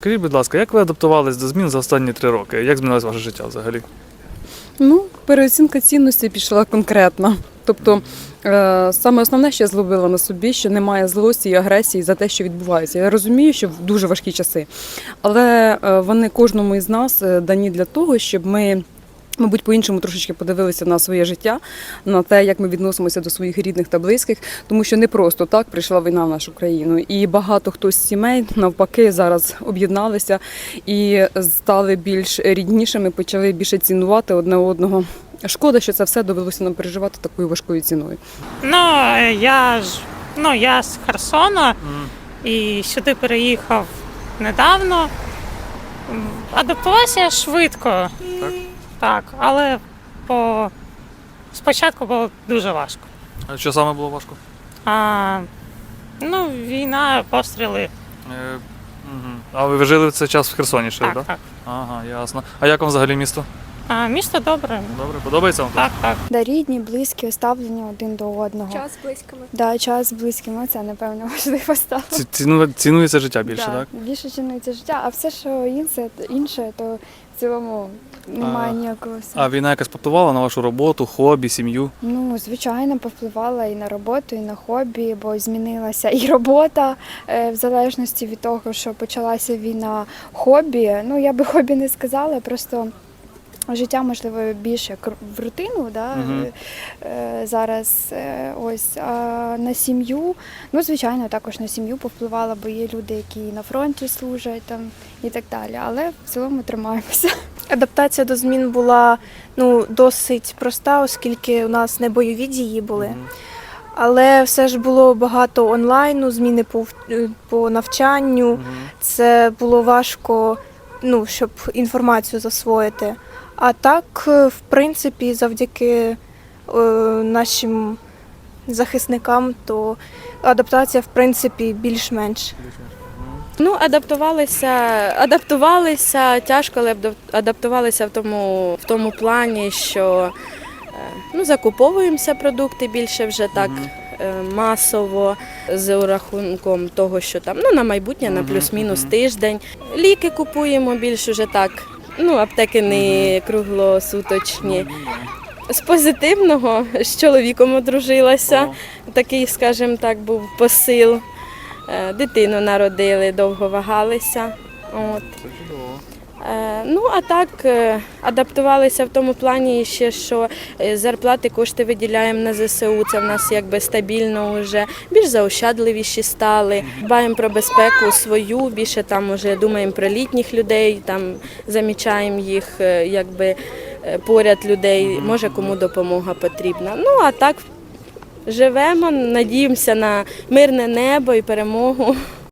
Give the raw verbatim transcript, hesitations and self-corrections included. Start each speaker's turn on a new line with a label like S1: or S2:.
S1: Скажіть, будь ласка, як ви адаптувались до змін за останні три роки? Як змінилось ваше життя взагалі?
S2: Ну, переоцінка цінності пішла конкретно. Тобто, е, саме основне, що я зловила на собі, що немає злості і агресії за те, що відбувається. Я розумію, що в дуже важкі часи, але е, вони кожному із нас е, дані для того, щоб ми, мабуть, по-іншому трошечки подивилися на своє життя, на те, як ми відносимося до своїх рідних та близьких, тому що не просто так прийшла війна в нашу країну. І багато хто з сімей, навпаки, зараз об'єдналися і стали більш ріднішими, почали більше цінувати одне одного. Шкода, що це все довелося нам переживати такою важкою ціною.
S3: Ну, я ж ну, я з Херсона і сюди переїхав недавно. Адаптувався швидко.
S1: Так?
S3: Так, але по... спочатку було дуже важко.
S1: А що саме було важко?
S3: А, ну, війна, постріли.
S1: Е, угу. А ви жили в цей час в Херсоні ще,
S3: Так,
S1: так?
S3: так.
S1: Ага, ясно. А як вам взагалі місто?
S3: А, місто добре.
S1: Добре, подобається вам?
S3: Так, так.
S4: Да, рідні, близькі, ставлення один до одного.
S5: Час з близькими.
S4: Да, час з близькими, це, напевно, важливо стало.
S1: Ці- ціну- Цінується життя більше,
S4: Да,
S1: так?
S4: більше цінується життя, а все, що інше, інше, то в цілому немає
S1: А-
S4: ніякого
S1: А
S4: сенсу.
S1: війна якось повпливала на вашу роботу, хобі, сім'ю?
S4: Ну, звичайно, повпливала і на роботу, і на хобі, бо змінилася і робота е, в залежності від того, що почалася війна. Хобі, ну я би хобі не сказала, просто життя, можливо, більше як в рутину, да?
S1: Мгм.
S4: е, зараз е, ось. А на сім'ю, ну, звичайно, також на сім'ю повпливала, бо є люди, які на фронті служать там і так далі. Але в цілому тримаємося.
S5: Адаптація до змін була ну, досить проста, оскільки у нас не бойові дії були.
S1: Мгм.
S5: Але все ж було багато онлайну, зміни по, в- по навчанню.
S1: Мгм.
S5: Це було важко, ну, щоб інформацію засвоїти. А так, е, в принципі, завдяки е, нашим захисникам, то адаптація, в принципі, більш-менш.
S6: Ну, адаптувалися, адаптувалися тяжко, але адап- адаптувалися в тому, в тому плані, що е, ну, закуповуємося продукти більше вже так
S1: Мгм.
S6: е, масово, з урахунком того, що там ну, на майбутнє, на
S1: Мгм,
S6: плюс-мінус
S1: мгм.
S6: тиждень. Ліки купуємо більш уже так. Ну, аптеки не круглосуточні. З позитивного з чоловіком одружилася.
S1: О,
S6: Такий, скажімо так, був посил. Е, Дитину народили, довго вагалися. От.
S1: це чудово.
S6: Е, Ну, а так, е, адаптувалися в тому плані ще, що е, зарплати, кошти виділяємо на зе се у, це в нас якби стабільно вже, більш заощадливіші стали. Дбаємо про безпеку свою, більше там уже думаємо про літніх людей, там замічаємо їх, е, якби е, поряд людей, може кому допомога потрібна. Ну, а так живемо, надіємося на мирне небо і перемогу.